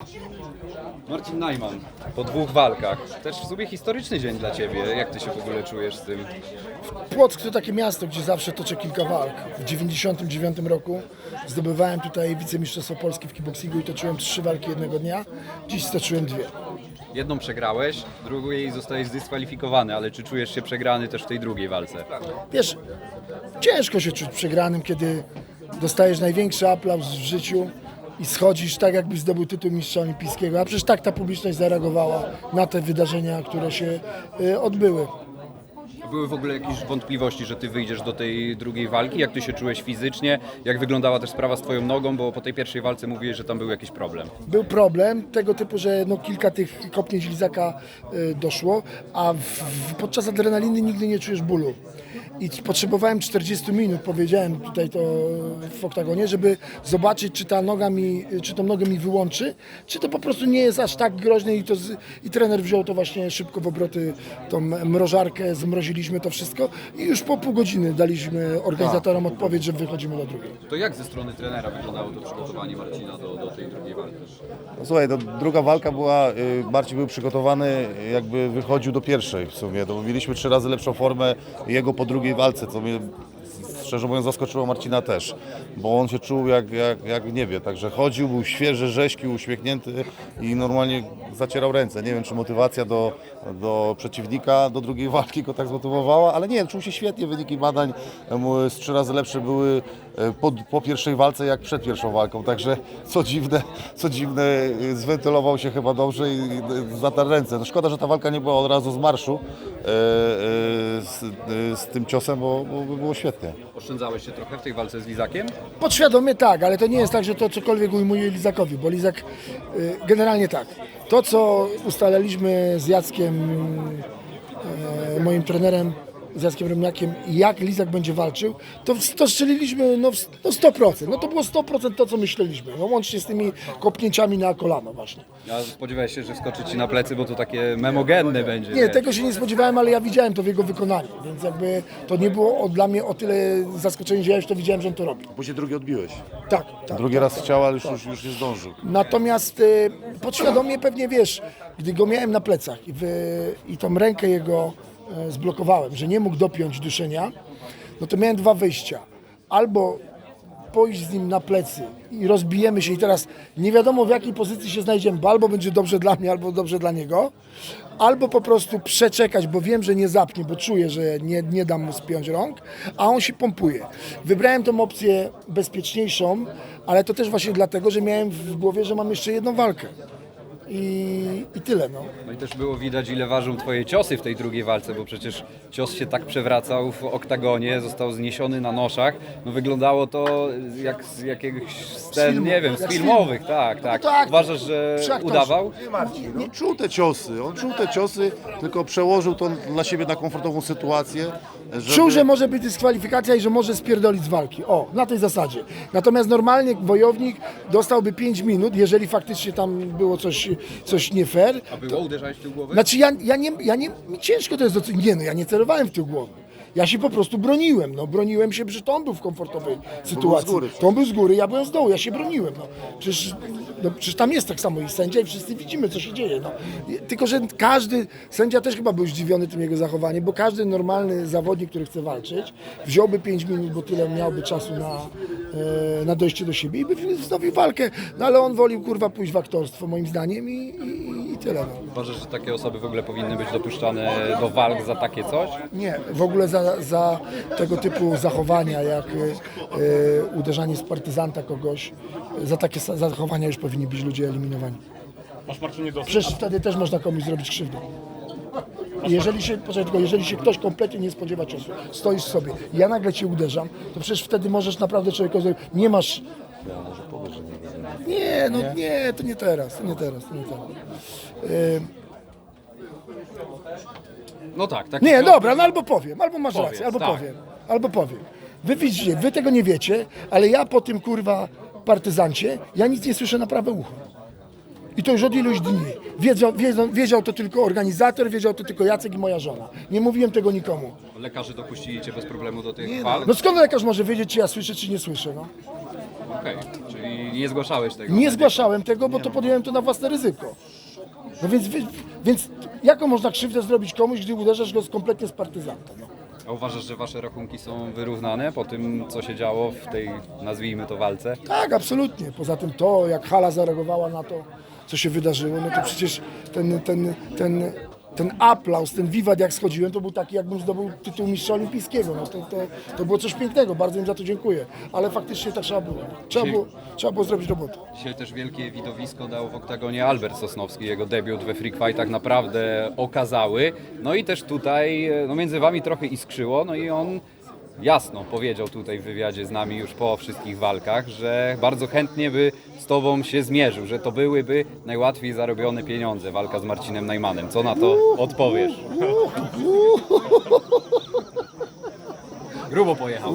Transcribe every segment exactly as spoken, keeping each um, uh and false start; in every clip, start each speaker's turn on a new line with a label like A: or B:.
A: Marcin Najman, po dwóch walkach. Też w sumie historyczny dzień dla Ciebie. Jak Ty się w ogóle czujesz z tym?
B: Płock to takie miasto, gdzie zawsze toczę kilka walk. W dziewięćdziesiątym dziewiątym roku zdobywałem tutaj wicemistrzostwo Polski w kickboxingu i toczyłem trzy walki jednego dnia. Dziś stoczyłem dwie.
A: Jedną przegrałeś, drugiej zostałeś zdyskwalifikowany, ale czy czujesz się przegrany też w tej drugiej walce?
B: Wiesz, ciężko się czuć przegranym, kiedy dostajesz największy aplauz w życiu i schodzisz tak, jakbyś zdobył tytuł mistrza olimpijskiego. A przecież tak ta publiczność zareagowała na te wydarzenia, które się y, odbyły.
A: Były w ogóle jakieś wątpliwości, że Ty wyjdziesz do tej drugiej walki? Jak Ty się czułeś fizycznie? Jak wyglądała też sprawa z Twoją nogą? Bo po tej pierwszej walce mówiłeś, że tam był jakiś problem.
B: Był problem tego typu, że no kilka tych kopnięć lizaka y, doszło, a w, w, podczas adrenaliny nigdy nie czujesz bólu. I potrzebowałem czterdzieści minut, powiedziałem tutaj to w oktagonie, żeby zobaczyć, czy ta noga mi, czy tą nogę mi wyłączy, czy to po prostu nie jest aż tak groźne i, to z, i trener wziął to właśnie szybko w obroty, tą mrożarkę, zmroziliśmy to wszystko i już po pół godziny daliśmy organizatorom odpowiedź, że wychodzimy do drugiej.
A: To jak ze strony trenera wyglądało to przygotowanie Marcina do, do tej drugiej walki?
C: No, słuchaj, to druga walka była, y, Marcin był przygotowany, jakby wychodził do pierwszej w sumie. To mieliśmy trzy razy lepszą formę jego po drugiej walce, co mnie szczerze mówiąc zaskoczyło Marcina też, bo on się czuł jak, jak, jak nie wie, także chodził, był świeży, rześki, uśmiechnięty i normalnie zacierał ręce. Nie wiem, czy motywacja do, do przeciwnika, do drugiej walki go tak zmotywowała, ale nie, czuł się świetnie, wyniki badań mu z trzy razy lepsze były po, po pierwszej walce jak przed pierwszą walką, także co dziwne, co dziwne, zwentylował się chyba dobrze i zatarł ręce. No szkoda, że ta walka nie była od razu z marszu e, e, z, e, z tym ciosem, bo, bo by było świetnie.
A: Oszczędzałeś się trochę w tej walce z Lizakiem?
B: Podświadomie tak, ale to nie jest tak, że to cokolwiek ujmuje Lizakowi, bo Lizak y, generalnie tak. To, co ustaliliśmy z Jackiem, y, moim trenerem, z Jackiem Remniakiem, jak Lizak będzie walczył, to, to strzeliliśmy no, no sto procent. No to było sto procent to, co myśleliśmy, no, łącznie z tymi kopnięciami na kolano właśnie.
A: Ja spodziewałeś się, że wskoczy Ci na plecy, bo to takie memogenne będzie.
B: Nie, tego się nie spodziewałem, ale ja widziałem to w jego wykonaniu, więc jakby to nie było o, dla mnie o tyle zaskoczenie, że ja już to widziałem, że on to robi.
C: Później drugi odbiłeś.
B: Tak, tak.
C: Drugi raz chciał, ale już, już, już nie zdążył.
B: Natomiast y, podświadomie pewnie wiesz, gdy go miałem na plecach i, wy, i tą rękę jego y, zblokowałem, że nie mógł dopiąć duszenia, no to miałem dwa wyjścia. Albo pójść z nim na plecy i rozbijemy się i teraz nie wiadomo w jakiej pozycji się znajdziemy, bo albo będzie dobrze dla mnie, albo dobrze dla niego, albo po prostu przeczekać, bo wiem, że nie zapnie, bo czuję, że nie, nie dam mu spiąć rąk, a on się pompuje. Wybrałem tą opcję bezpieczniejszą, ale to też właśnie dlatego, że miałem w głowie, że mam jeszcze jedną walkę. I, i tyle, no.
A: No i też było widać, ile ważą Twoje ciosy w tej drugiej walce, bo przecież cios się tak przewracał w oktagonie, został zniesiony na noszach. No wyglądało to jak z jakiegoś scen,
B: filmu,
A: nie wiem, z
B: jak z
A: filmowych, tak, tak.
B: No tak,
A: Uważasz, że
B: przy aktorze.
A: udawał?
C: On czuł te ciosy, on czuł te ciosy, tylko przełożył to dla siebie na komfortową sytuację. Żeby...
B: Czuł, że może być dyskwalifikacja i że może spierdolić z walki. O, na tej zasadzie. Natomiast normalnie wojownik dostałby pięć minut, jeżeli faktycznie tam było coś, coś nie fair.
A: A było? Uderzałeś w tył głowy?
B: Znaczy ja, ja nie, ja nie, mi ciężko to jest docenić. Nie no, ja nie celowałem w tył głowy. Ja się po prostu broniłem, no broniłem się, że to on był w komfortowej sytuacji.
C: z góry.
B: To on był z góry, ja byłem z dołu, ja się broniłem. No. Przecież, no, przecież tam jest tak samo i sędzia i wszyscy widzimy, co się dzieje. No. Tylko, że każdy, sędzia też chyba był zdziwiony tym jego zachowaniem, bo każdy normalny zawodnik, który chce walczyć, wziąłby pięć minut, bo tyle miałby czasu na, e, na dojście do siebie i by wznowił walkę. No ale on wolił kurwa pójść w aktorstwo moim zdaniem i, i, i tyle. No.
A: Uważasz, że takie osoby w ogóle powinny być dopuszczane do walk za takie coś?
B: Nie, w ogóle za, za tego typu zachowania, jak y, y, uderzanie z partyzanta kogoś, za takie sa- zachowania już powinni być ludzie eliminowani.
D: Masz Marcinie dosyć.
B: Przecież wtedy też można komuś zrobić krzywdę. I jeżeli się, poczekaj, tylko jeżeli się ktoś kompletnie nie spodziewa ciosu, stoisz sobie, ja nagle cię uderzam, to przecież wtedy możesz naprawdę człowiekowi zrobić, nie masz... Nie, no nie, to nie teraz, to nie teraz, to nie teraz. Y,
A: No tak, tak.
B: Nie, dobra, no albo powiem, albo masz
A: Powiedz,
B: rację, albo
A: tak.
B: powiem, albo powiem. Wy widzicie, wy tego nie wiecie, ale ja po tym kurwa partyzancie, ja nic nie słyszę na prawe ucho. I to już od iluś dni. Wiedział, wiedział, wiedział to tylko organizator, wiedział to tylko Jacek i moja żona. Nie mówiłem tego nikomu.
A: Lekarze dopuścili Cię bez problemu do tych walk?
B: No skąd lekarz może wiedzieć, czy ja słyszę, czy nie słyszę, no?
A: Okej, czyli nie zgłaszałeś tego?
B: Nie zgłaszałem tego, bo to podjąłem to na własne ryzyko. No więc, wy- więc jaką można krzywdę zrobić komuś, gdy uderzasz go z kompletnie z partyzanta? No.
A: A uważasz, że wasze rachunki są wyrównane po tym, co się działo w tej, nazwijmy to, walce?
B: Tak, absolutnie. Poza tym to, jak hala zareagowała na to, co się wydarzyło, no to przecież ten, ten, ten, ten aplauz, ten wiwat jak schodziłem, to był taki, jakbym zdobył tytuł mistrza olimpijskiego. No to, to, to było coś pięknego, bardzo im za to dziękuję. Ale faktycznie tak trzeba było. Trzeba było, trzeba było zrobić robotę.
A: Dzisiaj też wielkie widowisko dał w oktagonie Albert Sosnowski. Jego debiut we Freak Fightach naprawdę okazały. No i też tutaj no między wami trochę iskrzyło, no i on jasno powiedział tutaj w wywiadzie z nami już po wszystkich walkach, że bardzo chętnie by z tobą się zmierzył, że to byłyby najłatwiej zarobione pieniądze, walka z Marcinem Najmanem. Co na to odpowiesz? Grubo pojechał.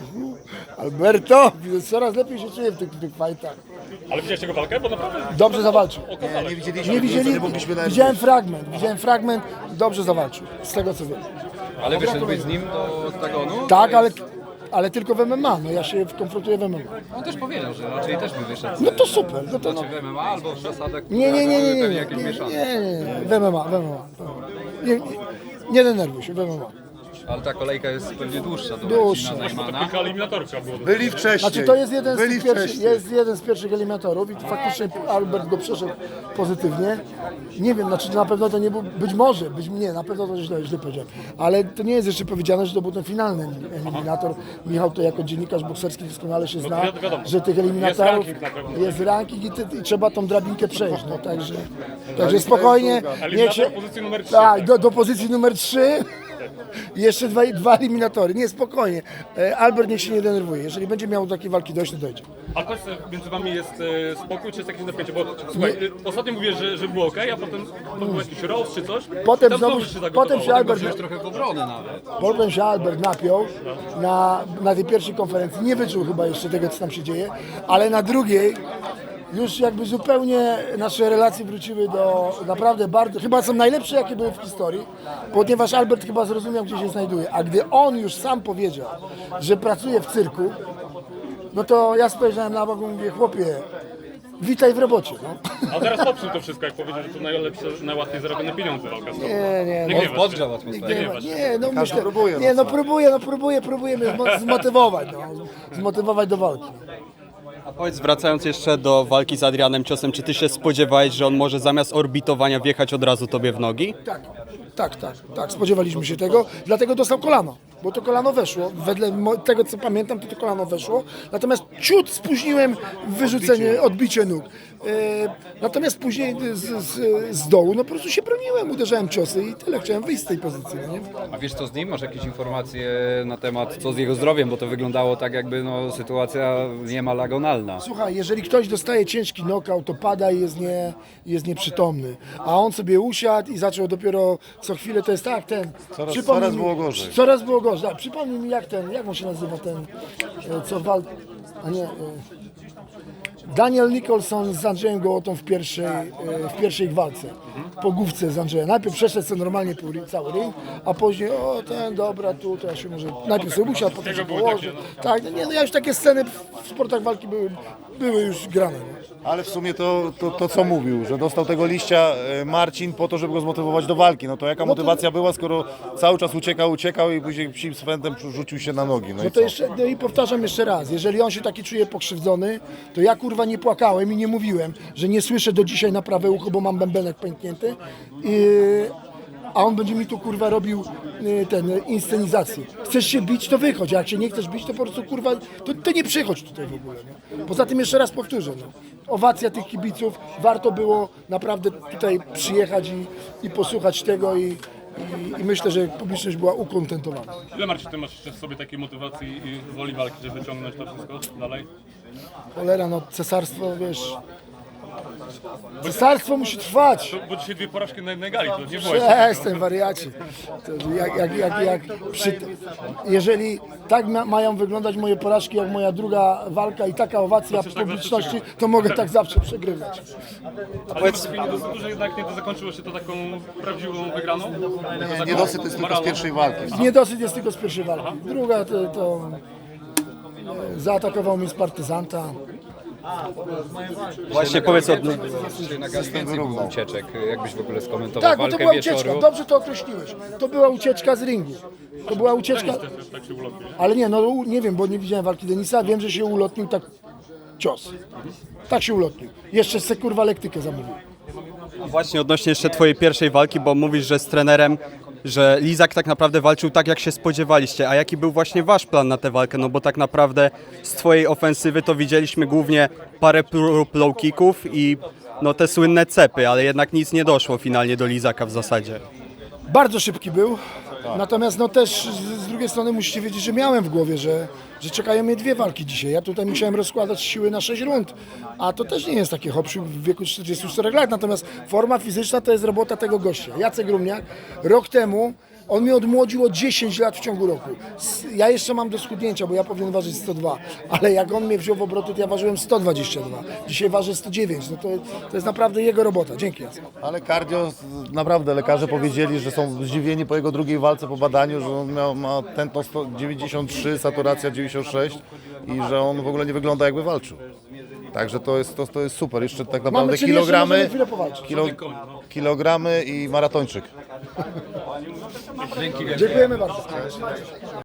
B: Alberto, coraz lepiej się czuję w tych, tych fightach.
D: Ale widziałeś tego walkę? Bo naprawdę
B: Dobrze zawalczył.
C: Nie, nie widzieliśmy,
B: Nie widzieli,
C: nie mogliśmy nawet
B: widziałem fragment, widziałem fragment, dobrze zawalczył, z tego co wiem.
A: Ale wyszedłbyś z nim do oktagonu?
B: Tak, ale, ale tylko w M M A, no ja się konfrontuję w M M A.
A: On też powiedział, że raczej też by wyszedł.
B: No to super, no to no.
A: Znaczy w M M A albo w zasadach,
B: Nie, nie, nie, nie, nie,
A: pewnie
B: nie,
A: jakieś
B: nie,
A: mieszane.
B: nie, nie, w M M A, w M M A. Nie, nie, nie denerwuj się, w M M A.
A: Ale ta kolejka jest pewnie dłuższa do
B: Dłuższa.
A: Marcina
D: to
A: Najmana.
D: kilka eliminatorów trzeba było.
C: byli wcześniej.
B: Znaczy to jest jeden, z
C: byli
B: tych pierwszych,
C: wcześniej.
B: jest jeden z pierwszych eliminatorów i faktycznie Albert go przeszedł pozytywnie. Nie wiem, znaczy na pewno to nie był, być może, być nie, na pewno to źle, źle powiedziałem, ale to nie jest jeszcze powiedziane, że to był ten finalny eliminator. Michał to jako dziennikarz bokserski doskonale się zna,
D: wi- wiadomo.
B: że tych eliminatorów
D: Jest ranking na pewno.
B: jest ranking i, ty, i trzeba tą drabinkę przejść, no także, także spokojnie.
D: Eliminator
B: niech się-
D: pozycji numer trzy.
B: Tak, do, do pozycji numer trzy. I jeszcze dwa, dwa eliminatory. Nie, spokojnie. E, Albert niech się nie denerwuje. Jeżeli będzie miał do takiej walki dojść, to dojdzie.
D: A powiedz, między wami jest e, spokój, czy jest jakieś napięcie? Bo słuchaj, e, ostatnio mówię, że, że było ok, a potem to był jakiś roast czy coś.
B: Potem
D: I tam
B: znowu,
D: się zagotowało.
B: potem się Albert,
A: Wziąć trochę w obronę nawet.
B: potem się Albert napiął na, na tej pierwszej konferencji. Nie wyczuł chyba jeszcze tego, co tam się dzieje, ale na drugiej już jakby zupełnie nasze relacje wróciły do naprawdę bardzo, chyba są najlepsze, jakie były w historii, ponieważ Albert chyba zrozumiał, gdzie się znajduje. A gdy on już sam powiedział, że pracuje w cyrku, no to ja spojrzałem na bok i mówię, chłopie, witaj w robocie. No.
D: A teraz popsuł to wszystko, jak powiedział, że to najlepsze, najłatwiej zarobione pieniądze walka z tobą.
B: Nie, nie,
D: Nie
B: no.
D: gniewasz się.
A: Podgrzał atmosferę.
B: Nie,
D: masz.
B: nie, no
C: Każdy
B: myślę,
C: próbuje, no
B: nie, no
C: co?
B: próbuję, no próbuję, próbuję mnie zmo- zmotywować, no, zmotywować do walki.
E: A powiedz, wracając jeszcze do walki z Adrianem Ciosem, czy ty się spodziewałeś, że on może zamiast orbitowania wjechać od razu tobie w nogi?
B: Tak, tak, tak, tak, spodziewaliśmy się tego, dlatego dostał kolano, bo to kolano weszło, wedle mo- tego co pamiętam, to to kolano weszło, natomiast ciut spóźniłem wyrzucenie, odbicie nóg. E, natomiast później z, z, z dołu, no po prostu się broniłem, uderzałem ciosy i tyle, chciałem wyjść z tej pozycji, no nie?
A: A wiesz co z nim? Masz jakieś informacje na temat co z jego zdrowiem? Bo to wyglądało tak jakby no, sytuacja niemal agonalna.
B: Słuchaj, jeżeli ktoś dostaje ciężki knockout, to pada i jest, nie, jest nieprzytomny. A on sobie usiadł i zaczął dopiero co chwilę, to jest tak, ten...
C: Coraz-
B: przypomnij
C: coraz
B: mi-
C: było gorzej.
B: Coraz było gorzej. Tak, przypomnij mi jak ten, jak on się nazywa ten, e, co wal... A nie... e, Daniel Nicholson z Andrzejem Gołotą w pierwszej, e, w pierwszej ich walce. Po główce z Andrzejem. Najpierw przeszedł sobie normalnie pół ring, cały ring, a później o ten, dobra, tu, to ja się może... Najpierw sobie usiadł, potem się
D: były
B: położył. Tak, no nie, no ja już takie sceny w sportach walki były, były już grane. No.
C: Ale w sumie to, to, to co mówił, że dostał tego liścia e, Marcin po to, żeby go zmotywować do walki. No to jaka motywacja była, skoro cały czas uciekał, uciekał i później psim swędem rzucił się na nogi. No,
B: No
C: i
B: to
C: co?
B: jeszcze, no i powtarzam jeszcze raz, jeżeli on się taki czuje pokrzywdzony, to ja kurwa nie płakałem i nie mówiłem, że nie słyszę do dzisiaj na prawe ucho, bo mam bębenek pęknięty, i, a on będzie mi tu kurwa robił y, ten, y, inscenizację. Chcesz się bić, to wychodź, a jak się nie chcesz bić, to po prostu kurwa, to, to nie przychodź tutaj w ogóle. Nie? Poza tym jeszcze raz powtórzę, no. Owacja tych kibiców, warto było naprawdę tutaj przyjechać i, i posłuchać tego i, i, i myślę, że publiczność była ukontentowana.
D: Ile Marcin, ty masz jeszcze w sobie takiej motywacji i woli walki, żeby wyciągnąć to wszystko dalej?
B: Cholera, no cesarstwo, wiesz... Cesarstwo musi trwać.
D: Bo dzisiaj dwie porażki na jednej gali, to nie było jeszcze
B: Przestań, wariacie. To jak, jak, jak, jak przy, jeżeli tak ma, mają wyglądać moje porażki, jak moja druga walka i taka owacja
D: Chcesz tak
B: publiczności,
D: zawsze
B: to mogę tak zawsze przegrywać.
D: Ale powiedz, nie dosyć dużo, jednak nie zakończyło się to taką prawdziwą wygraną?
C: Nie, niedosyt jest tylko z pierwszej walki.
B: Niedosyt jest tylko z pierwszej walki. Druga to, to zaatakował mnie z partyzanta.
E: Właśnie powiedz od...
A: Jednak aż więcej było ucieczek, jakbyś w ogóle skomentował
B: Tak, bo to
A: walkę
B: była
A: wieczoru.
B: ucieczka, dobrze to określiłeś. To była ucieczka z ringu. To była ucieczka,
D: Tak się ulotnie.
B: ale nie, no u- nie wiem, bo nie widziałem walki Denisa, wiem, że się ulotnił tak cios. Tak się ulotnił. Jeszcze se kurwa lektykę zamówił.
E: Właśnie odnośnie jeszcze twojej pierwszej walki, bo mówisz, że z trenerem, że Lizak tak naprawdę walczył tak, jak się spodziewaliście. A jaki był właśnie wasz plan na tę walkę? No bo tak naprawdę z twojej ofensywy to widzieliśmy głównie parę prób low kicków i no te słynne cepy, ale jednak nic nie doszło finalnie do Lizaka w zasadzie.
B: Bardzo szybki był, natomiast no też z, z drugiej strony musicie wiedzieć, że miałem w głowie, że, że czekają mnie dwie walki dzisiaj. Ja tutaj musiałem rozkładać siły na sześć rund, a to też nie jest takie hopsiu w wieku czterdziestu czterech lat, natomiast forma fizyczna to jest robota tego gościa. Jacek Rumniak rok temu, on mnie odmłodził o dziesięć lat w ciągu roku. S- Ja jeszcze mam do schudnięcia, bo ja powinien ważyć sto dwa, ale jak on mnie wziął w obroty, to ja ważyłem sto dwadzieścia dwa. Dzisiaj ważę sto dziewięć, no to, to jest naprawdę jego robota. Dzięki, Jacek.
C: Ale cardio, naprawdę lekarze powiedzieli, że są zdziwieni po jego drugiej walce, po badaniu, że on miał, ma tętno sto dziewięćdziesiąt trzy, saturacja dziewięćdziesiąt sześć i że on w ogóle nie wygląda jakby walczył. Także to jest, to, to jest super. Jeszcze tak naprawdę
B: czyli jeszcze możemy
C: kilogramy,
B: chwilę powalczyć.
C: kilo, kilogramy i maratończyk.
B: Dziękujemy bardzo.